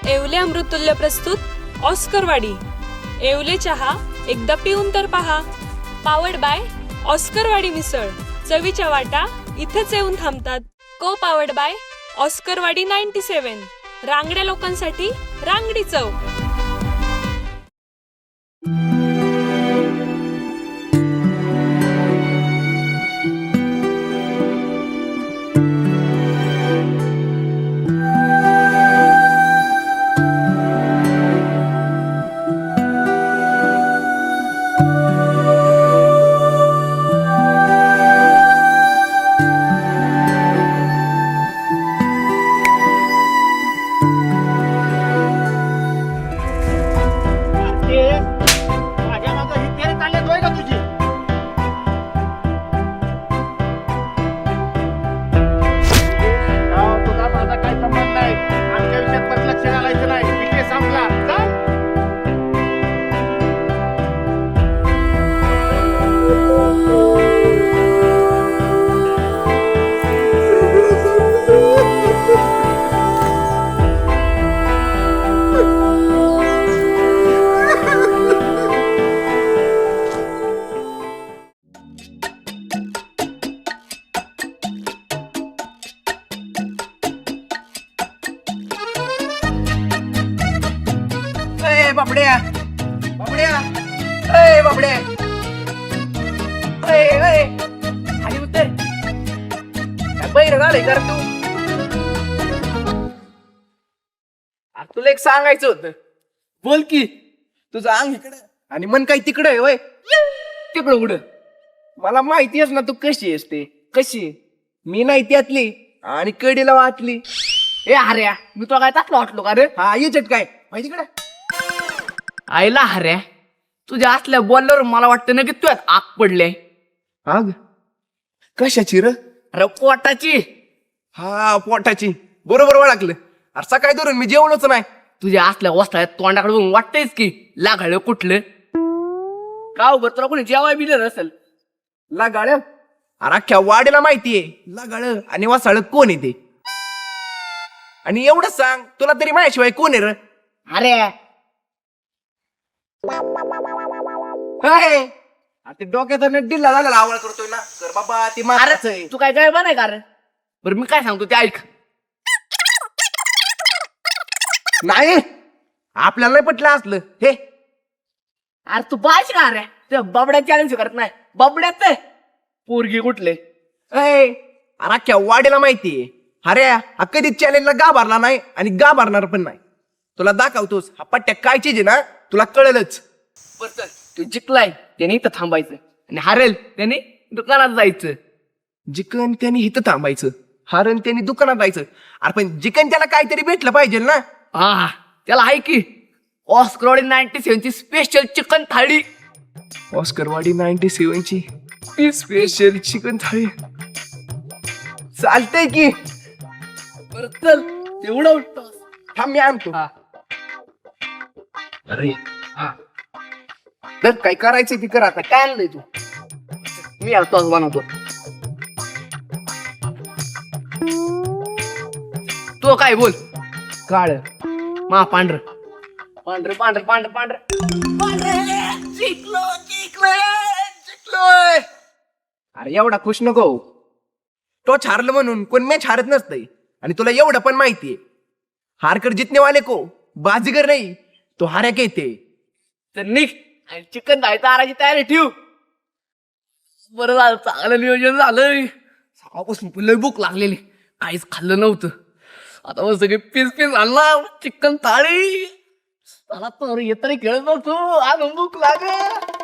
येवले अमृततुल्य प्रस्तुत ऑस्करवाडी. येवले चहा एकदा पिऊन तर पहा. पावर्ड बाय ऑस्करवाडी मिसळ. चवीच्या वाटा इथेच येऊन थांबतात. को पावर्ड बाय ऑस्करवाडी 97. रांगड्या लोकांसाठी रांगडी चव. बाबड्या बाबड्या ए बाबड्या ए ए खाली उतर. काय बैर झालंय कर तू. तुला एक सांगायचं होतं. बोल की. तुझं अंग इकडं आणि मन काही तिकडं आहे होय. तिकडं उड. मला माहिती आहेस ना तू कशी आहेस ते. कशी मी नाही त्यातली आणि कडीला वाटली. ए हऱ्या मी तुला काय ताटलं वाटलो का रे. हा येचट काय माहिती कडे आईला हऱ्या तुझ्या असल्या बोलल्यावर मला वाटतं ना की तुझ्यात आग पडले. आग कशाची र. अरे पोटाची. हा पोटाची. बरोबर ओळखलं. अरे सकाळी धरून मी जेवलोच नाही. तुझ्या असल्या वस्त्रात तोंडाकडे बघून वाटतंयच की लागाळ कुठलं का उभं तुला कोणी जेवाय बिलं नसेल. लगाळ अरे अख्ख्या वाड्याला माहितीये लगाळ आणि वासाळ कोण येते. आणि एवढं सांग तुला तरी माझ्याशिवाय कोण आहे र. अरे ते डोक्याचा डिल्ला झालेला आवाज करतोय ना. कर बाबा ती मारायचं आहे. तू काय काय बनाय का रे. बरं मी काय सांगतो ते ऐक. नाही आपल्याला नाही पटलं असलं हे. अरे तू पाहिजे का रे ते बबड्या चॅलेंज करत नाही. बबड्यात पोरगी कुठले. अरे अख्ख्या वाड्याला माहितीये. अरे हा कधीच चॅलेंजला गाभारला नाही आणि गाभारणार पण नाही. तुला दाखवतोस हा पट्ट्या काय चीज आहे ना तुला कळलंच. बर चल तू जिंकलाय त्याने इथं थांबायचं आणि हारेल त्याने दुकानात जायचं. जिकन त्यांनी इथं थांबायचं. हारण त्यांनी दुकानात जायचं. अरे पण जिकन त्याला काहीतरी भेटलं पाहिजे ना. हा त्याला आहे की ऑस्करवाडी 97 ची स्पेशल चिकन थाळी. ऑस्करवाडी 97 ची स्पेशल चिकन थाळी चालतंय की. बरं चल तेवढं उठतो. थांब मी आणतो. अरे हा तर काय करायचं ती कर आता. काय आणलंय तू. मी आज बनवतो. तो काय बोल. काळ मा पांढर पांढर पांढर पांढर पांढर जिंकलोय. अरे एवढा खुश नको. तो हारलं म्हणून कोण मॅच हारत नसतंय. आणि तुला एवढं पण माहितीये हारकर जितने वाले को बाजीगर नाही तो हार्या येते. तर निघ आणि चिकन जायचं आराची तयारी ठेव. बरं झालं चांगलं नियोजन झालंय. सकाळपासून लय भूक लागलेली काहीच खाल्लं नव्हतं. आता मग सगळे पीस पीस आणला चिकन थाळी. मला तर येतरी खेळत नव्हतो आज भूक लागे.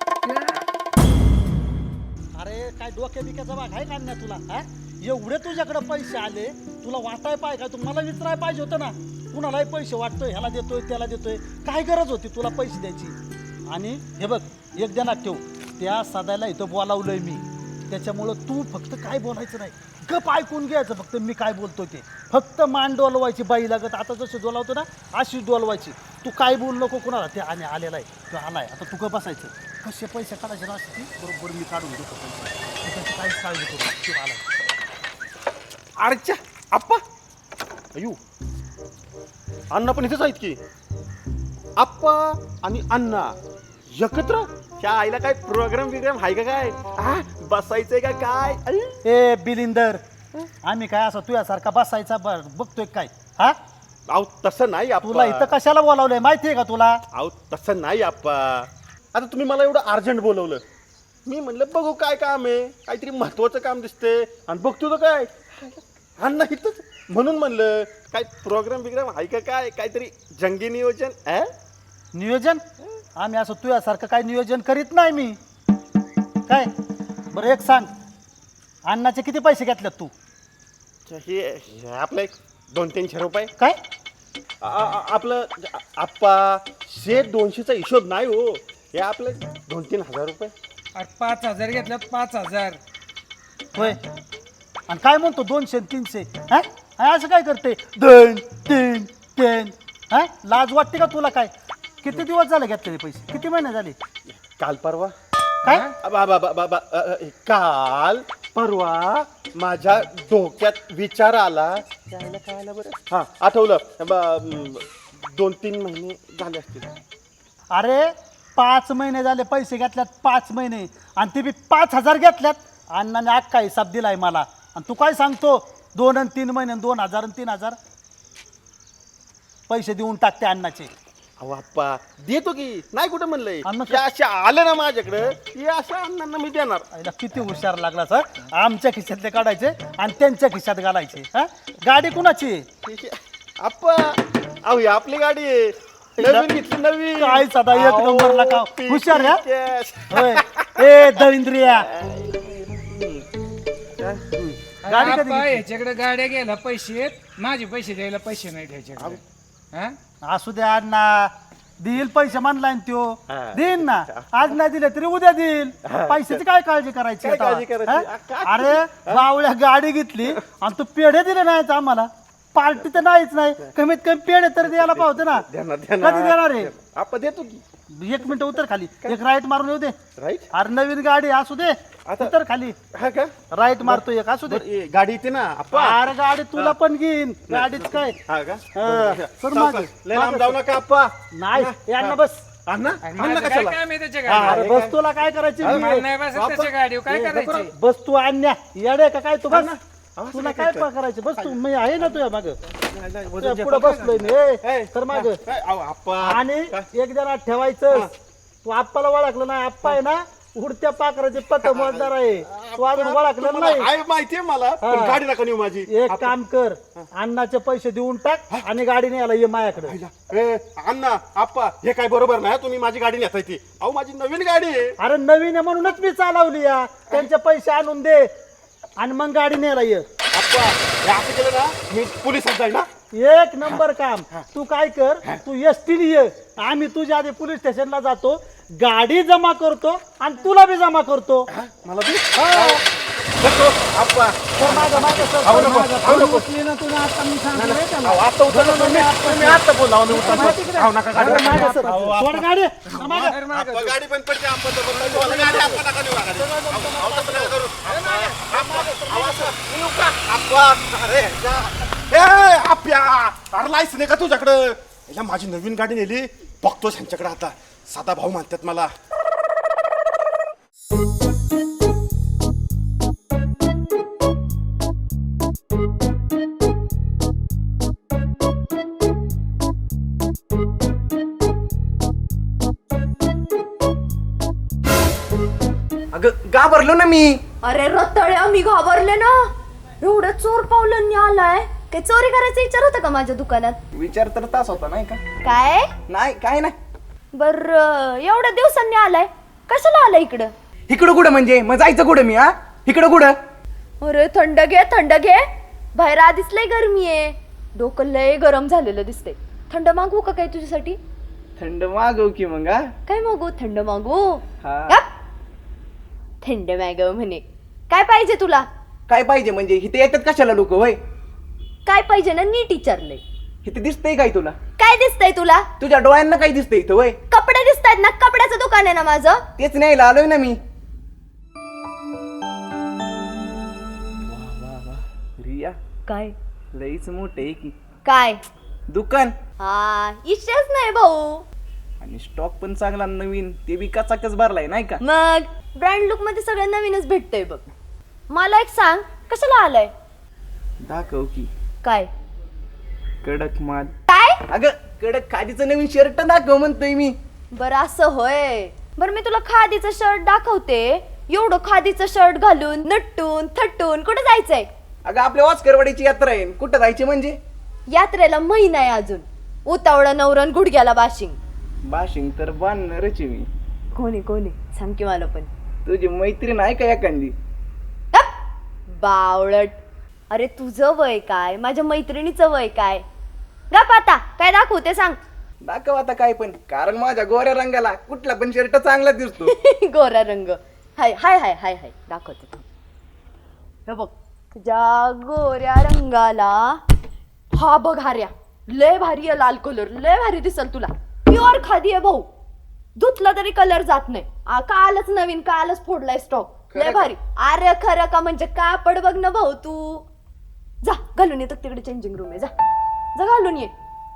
अरे काय डोक्या बिक्याचा भाग आहे का तुला. हा एवढे तुझ्याकडे पैसे आले तुला वाटाय पाहिजे का. तुम्हाला विचाराय पाहिजे होतं ना. कुणालाही पैसे वाटतोय ह्याला देतोय त्याला देतोय. काय गरज होती तुला पैसे द्यायची. आणि हे बघ एक ध्यानात ठेव त्या सदायला इथं बोलावलंय मी. त्याच्यामुळं तू फक्त काय बोलायचं नाही. गप ऐकून घ्यायचं फक्त मी काय बोलतोय ते. फक्त मान डोलवायची बाई लागत. आता जसं डोलावतो ना अशी डोलवायची. तू काय बोल नको कुणाला. ते आणि आलेला आहे तो आलाय. आता तू गप बसायचं. कसे पैसे काढायचे ना असे बरोबर मी काढून देतो पैसे. त्याची काहीच काळजी करू. तू आलाय. अरेच्या आप्पा अयू अण्णा पण इथेच आहेत की. आप्पा आणि अण्णा एकत्र. त्या आईला काय प्रोग्राम बिग्राम आहे का काय? बसायचंय का काय? ए बिलिंदर, आम्ही काय असं तुझ्यासारखा बसायचा बघतोय काय? हा, अहो तसं नाही तुला आप्पा. इथं कशाला बोलावलंय माहितीये का तुला? अहो तसं नाही आप्पा. आता तुम्ही मला एवढं अर्जंट बोलवलं, मी म्हणलं बघू काय काम आहे, काहीतरी महत्वाचं काम दिसतंय आणि बघतो तर काय अण्णा इथंच, म्हणून म्हणलं काय प्रोग्राम बिग्राम आहे का काय, काहीतरी जंगी नियोजन. नियोजन? आम्ही असं तुझ्यासारखं काय नियोजन करीत नाही मी. काय बरं एक सांग, अण्णाचे किती पैसे घेतलेत तू? हे आपलं एक 200-300 रुपये. काय? आपलं आप्पा 100-200चा हिशोब नाही हो, हे आपलं 2-3 हजार रुपये. अरे 5,000 घेतल्यात 5,000. होय, आणि काय म्हणतो 200-300? हा, हा, असं काय करते 2-3-3? हा, लाज वाटते का तुला? काय किती दिवस झाले घेतलेले पैसे? किती महिने झाले? काल परवा. काय? काल परवा माझ्या डोक्यात विचार आला, त्याला काय आलं बरं, हा आठवलं. 2-3 महिने झाले असतील. अरे 5 महिने झाले पैसे घेतल्यात, 5 महिने, आणि ते बी 5,000 घेतल्यात. अण्णाने अख्खा हिसाब दिलाय मला, आणि तू काय सांगतो 2 आणि 3 महिने, 2,000 आणि 3,000 पैसे देऊन टाकते अण्णाचे. अहो आप्पा देतो की, नाही कुठं म्हणलंय. अण्णा हे असे आलं ना माझ्याकडं, हे अशा अण्णांना मी देणार. आईला किती हुशार लागला सर. आमच्या खिशातले काढायचे आणि त्यांच्या खिशात घालायचे. हा, गाडी कुणाची? आप्पा अहो ही आपली गाडी आहे, नवीन घेतली, नवीन. काय सदा एक अहो, नंबरला का पी- हुशार या. कॅश. होय, ए दळिंद्रिया, गाडी कधी घेतली? ह्याच्याकडे गाड्या घ्यायला पैसे आहेत, माझे पैसे द्यायला पैसे नाही ह्याच्याकडे. हा? असू द्या अण्णा, देईल पैसे म्हणलाय ना त्यो, हा. देईन ना. आज नाही दिले तरी उद्या देईल. पैशाची काय काळजी करायची काय आता? काळजी करायची? हा? अरे बावळ्या गाडी घेतली आणि तू पेढे दिले नाहीत आम्हाला. पार्टी तर नाहीच नाही, कमीत कमी पेढे तरी द्यायला पावते ना. देणार, कधी देणार आहे? आप्पा देतो की. 1 मिनिट उतर खाली, एक राईट मारून येऊ दे. राईट. अरे नवीन गाडी असू दे, आता- उतर खाली, हा का? राईट मारतो एक, असू दे. बरं, ए, गाडी येते ना आप्पा. अरे गाडी तुला पण घेईन, गाडीच काय. हा का? हा. सर, सावकाश. मागे. लय लांब जाऊ नका आप्पा. नाही हे अण्णा बस. अण्णा आणि अण्णा माझं काय कशाला? काम आहे त्याच्या हा, गाडीवर? अरे बस, तुला काय करायची? मला नाही बसत त्याच्या गाडीवर, काय करायचं? बस तू आणण्या येडे का काय तू? बस आवाज तुला काय काय करायचं? बस तू, मी आहे ना तुझ्या माग, वजन जे पुढे बसलोय मी. ए, तर माग, काय? अहो, आप्पा आणि एक जरा ठेवायचं. तू आप्पाला ओळखलं नाही, आप्पा आहे ना उडत्या पाखराचे पतंगबाजदार आहे. तू अजून ओळखलं नाही. आहे माहितीये मला, पण हा. गाडी नका नेऊ माझी. एक काम कर, अण्णाचे पैसे देऊन टाक आणि गाडी न्यायला ये माझ्याकडे. ए, अण्णा आप्पा हे काय बरोबर नाही, तुम्ही माझी गाडी नेताय ती. अहो माझी नवीन गाडी आहे. अरे नवीन आहे म्हणूनच मी चालवली या. त्यांचे पैसे आणून दे आणि मग गाडी न्यायला ये. आप्पा हे असं केलं ना, मी पोलिसात जाईल ना. एक नंबर काम. तू काय कर, तू एसटीने ये, आम्ही तुझ्या आधी पोलीस स्टेशनला जातो, गाडी जमा करतो आणि तुला बी जमा करतो. मला बी बघतो, आप्पा तर मागं मागं सर, अहो, नको, मागं. अहो, नको. उचली ना तुला आता मी सांगतोय त्याला. अहो, आता उतरलो तुम्ही आता बोला, अहो, मी उतरतो. अहो, नका गाडी. अरे मागं सर, सोड गाडी. मागं. आप्पा, गाडी पण पडते आप्पा, तो बोलला, मला गाडी आप्पा नका नेऊ गाडी. अहो, तसं नका करू. आप्पा, आवाज कर. नेऊ का? आप्पा, अरे जा. ए, आप्या, अरे लायसन आहे का तुझ्याकडं? याला माझी नवीन गाडी नेली, बघतोस ह्यांच्याकडे आता. साधा भाऊ म्हणतात मला. अगं घाबरलो ना मी. अरे रताळ्या, मी घाबरले ना. एवढं चोर पावलांनी आलाय. काय चोरी करायचा विचार होता का माझ्या दुकानात? विचार तर तास होता नाही का? काय नाही काय नाही. बर, एवढ्या दिवसांनी आलाय, कशाला आलाय इकडं? इकडं कुठं म्हणजे? मग जायचं कुठं मी? हा, इकडं कुठं? अरे थंड घे, थंड घे. बाहेर आधीच लय गरमी आहे, डोकं लय गरम झालेलं दिसतंय. थंड मागवू का काय तुझ्यासाठी? थंड मागव की मग. हा काय मागू? थंड मागू? हा. गप. थंड मागव म्हणे. काय पाहिजे तुला? काय पाहिजे म्हणजे? इथे येतात कशाला लोक? होय, काय पाहिजे ना, नीट विचारलंय. इथे दिसतंय काय तुला? काय दिसतंय तुला? तुझ्या डोळ्यांना काय दिसतंय इथं? होय, कपडे दिसतायत ना, कपड्याचं दुकान आहे ना माझं. तेच न्यायला आलोय ना मी. रिया काय? लईच मोठे आहे की. काय? दुकान हा इच्छाच नाही भाऊ. आणि स्टॉक पण चांगला नवीन, ते बी कचाकच भरलाय नाही का? मग ब्रँड लुक मध्ये सगळं नवीनच भेटतंय बघ. मला एक सांग, कशाला आलाय? दाखव की. काय कडक माल. काय? अगं कडक खादीचं नवीन शर्ट दाखव म्हणतोय मी. बरं असं होय. बरं मी तुला खादीचं शर्ट दाखवते. एवढं खादीचं शर्ट घालून नटून थटून कुठं जायचंय? अगं आपल्या वासकरवाडीची यात्रा आहे, कुठं जायची म्हणजे? यात्रेला महिना आहे अजून. उतावळा नवरन गुडघ्याला बाशिंग. बाशिंग तर बांधणारच आहे मी. कोणी कोणी सांग की मला पण. तुझी मैत्रीण आहे का एखादी? गप! बावळट. अरे तुझं वय काय, माझ्या मैत्रिणीचं वय काय? गप आता, काय दाखवू ते सांग. दाखव आता काय पण, कारण माझ्या गोऱ्या रंगाला कुठला पण शर्ट चांगला दिसतो. गोरा रंग. हाय हाय हाय हाय हाय दाखवते थांब. हे बघ तुझ्या गोऱ्या रंगाला हा बघ हार्या, लय भारी आहे लाल कलर, लय भारी दिसल तुला. प्युअर खादी आहे भाऊ, धुतला तरी कलर जात नाही. कालच नवीन, कालच फोडलाय स्टॉक. लय खरं का? भारी. अरे खरं का म्हणजे कापड बघ ना भाऊ तू. जा घालून ये, तर तिकडे चेंजिंग रूम आहे, जा जा घालून ये.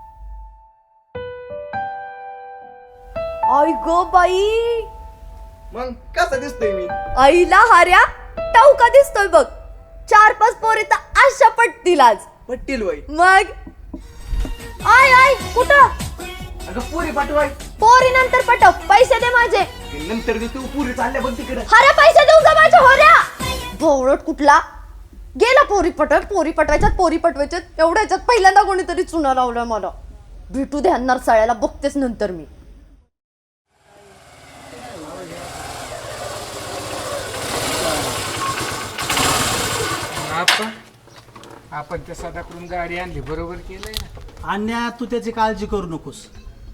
आई गो बाई, मग कसं दिसतोय मी? आईला हार्या टाऊका दिसतोय बघ. 4-5 पोरी तर अशा पटतील आज. पट्टील वय. मग आय आय कुठं? अगं पुरी पाठवाय. पोरी नंतर पटव, पैसे दे माझे. नंतर तू पुरी चालल्या बघ तिकडे. हार्या पैसे देऊन जा माझ्या होऱ्या. भोवळट कुठला गेला पोरी पटवायच्यात, पोरी पटवायच्यात. एवढ्याच्यात पहिल्यांदा कोणीतरी चुना लावलं मला. भेटू ध्यानणार साळ्याला, बघतेच नंतर मी. आपण त्या सदाकडून गाडी आणली, बरोबर केलंय ना? अन्या तू त्याची काळजी करू नकोस.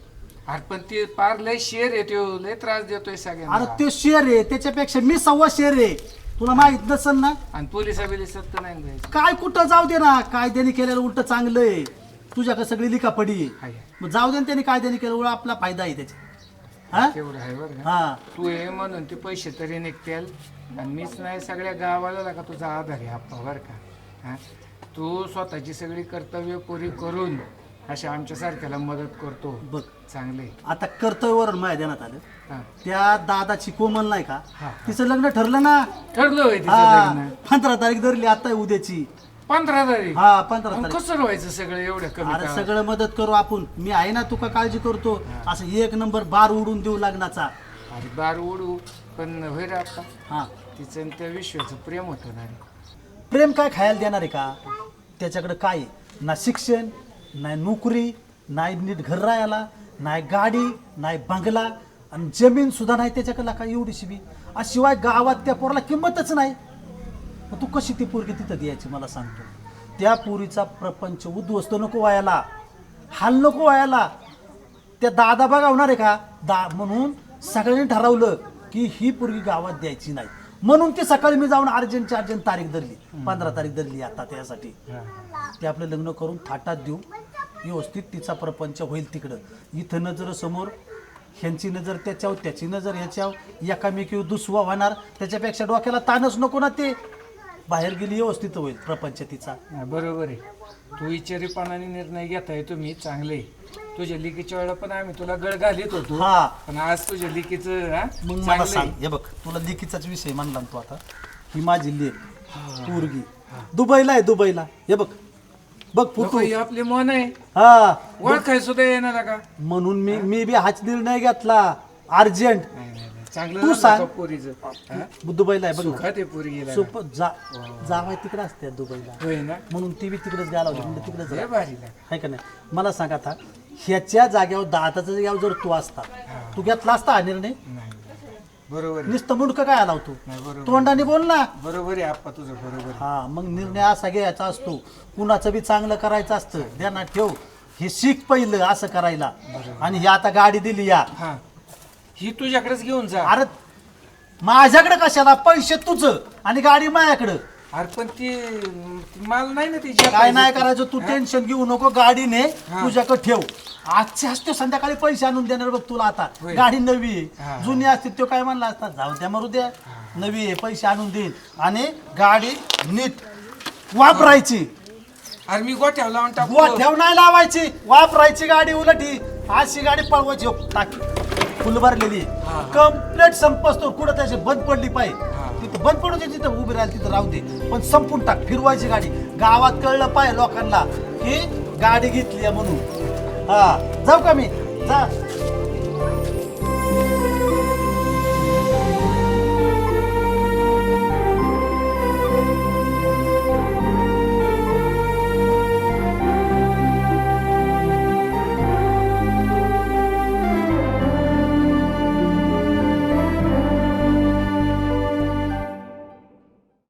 अरे पण ते पार लय शेर आहे, त्यो लय त्रास देतोय अरे सगळ्यांना. तो शेर आहे, त्याच्यापेक्षा मी 1.25 शेर आहे. तुला माहित नसेल ना. आणि पोलिसा बिलिसात तर नाही जायचं. काय कुठं जाऊ दे ना, कायद्याने केलेलं उलट चांगलं आहे. तुझ्याकडे सगळी लिखापडी आहे. हाय. मग जाऊ दे ना, त्याने कायद्याने केलं उलट आपला फायदा आहे त्याचा. हा तेवढं आहे बरं का? हा तू ये म्हणून ते पैसे तरी निघतील. आणि मीच नाही, सगळ्या गावाला का तुझा आधार आहे आप्पा, बरं का? हा, तू स्वतःची सगळी कर्तव्य पुरी करून अशा आमच्या सारख्याला मदत करतो. बघ चांगले. आता कर्तव्यवरून माझ्या देण्यात आलं. हा, त्या दादाची कोमल नाही का, हा. तिचं लग्न ठरलं ना. ठरलं होय तिचं हा लग्न? 15 तारीख धरली आता उद्याची. 15 तारीख? हा 15 मग तारीख. कसं व्हायचं सगळं एवढं कमी अरे काळात? सगळं मदत करू आपण. मी आहे ना, तुका काळजी करतो. असं 1 नंबर बार उडून देऊ लग्नाचा. अरे बार उडू, पण होय रे आप्पा, हा तिचं आणि त्या विश्वाचं प्रेम होतं ना रे. प्रेम काय खायला देणार आहे का? त्याच्याकडे काय आहे? ना शिक्षण, नाही नोकरी, नाही नीट घर राहायला, नाही गाडी, नाही बंगला, आणि जमीन सुद्धा नाही त्याच्याकडे. काय एवढीशी बी. आणि शिवाय गावात त्या पोराला किंमतच नाही. मग तू कशी ती पोरगी तिथं द्यायची मला सांगतो. त्या पोरीचा प्रपंच उद्ध्वस्त नको व्हायला, हाल नको व्हायला. त्या दादा बघावणार आहे का? म्हणून सगळ्यांनी ठरवलं की ही पोरगी गावात द्यायची नाही. म्हणून ती सकाळी मी जाऊन अर्जंट तारीख धरली, 15 तारीख धरली आता त्यासाठी. ते आपलं लग्न करून थाटात देऊ, व्यवस्थित तिचा प्रपंच होईल तिकडं. इथं नजर समोर, ह्यांची नजर त्याच्यावर, त्याची नजर ह्याच्यावर, एकामेकीवर दुसवा होणार. त्याच्यापेक्षा डोक्याला ताणच नको ना. ते बाहेर गेली व्यवस्थित होईल प्रपंच तिचा. हा, बरोबर आहे. तू विचारीपणाने निर्णय घेताय तुम्ही, चांगले. तुझ्या लिकीच्या वेळेला पण आम्ही तुला गळ घालीत होतो, हा पण आज तुझ्या लिकीचं हा, मग मला चांगलं सांग, आहे. हे बघ तुला लेकीचाच विषय म्हणला ना तू आता. ही माझी लेक पोरगी दुबईला आहे, दुबईला. हे बघ बघ नको, फोटो. ही आपली मन आहे, हा ओळखाय सुद्धा येणार का? म्हणून मी बी हाच निर्णय घेतला अर्जंट. नाही, नाही, नाही. चांगलं तू झालं सांग. का पोरीचं? हा? दुबईला आहे बघ ना. सुखात आहे पोरी गेला. सोप जावाय तिकडे असते दुबईला, होय ना? म्हणून ती बी तिकडेच गेला होती. म्हणजे तिकडेच लय भारी लागलं. आहे का नाही? मला सांग आता, ह्याच्या जाग्यावर दादाच्या जाग्यावर जर तू असता, तू घेतला असता हा निर्णय? नाही, बरोबर आहे. नुसतं मुंडकं काय आला तू? नाही, बरोबर तोंडाने बोल ना. बरोबर आहे आप्पा, तुझं बरोबर आहे. हा मग निर्णय असा घ्यायचा असतो, कुणाचं बी चांगलं करायचं असतं. ध्यानात ठेव, हे शिक पहिलं असं करायला. आणि ही आता गाडी दिली या, हा, ही तुझ्याकडेच घेऊन जा. अरे माझ्याकडे कशाला? पैसे तुझं आणि गाडी माझ्याकडं. अरे पण ती माल नाही ना ती काय नाही करायचं, तू टेन्शन घेऊ नको. गाडीने तुझ्याकडे ठेव. आजचे असते संध्याकाळी पैसे आणून देणार बघ तुला. आता होय. गाडी नवी हा. आहे, जुनी असते तो काय म्हणला असता, जाऊ द्या मरू द्या, नवी आहे, पैसे आणून देईन. आणि गाडी नीट वापरायची. अरे मी गोठ्यावर लावून टाकू ठेव नाही लावायची, वापरायची गाडी उलटी. अशी गाडी पळवायची. हो, टाकी फुल भरलेली कम्प्लीट संपतो. कुठं त्याची बंद पडली पाहिजे तिथं बंद पडू दे, तिथं उभी राहिली तिथं राहू दे, पण संपून टाक. फिरवायची गाडी. गावात कळलं पाहिजे लोकांना की गाडी घेतली म्हणून. हा, जाऊ का मी? जा.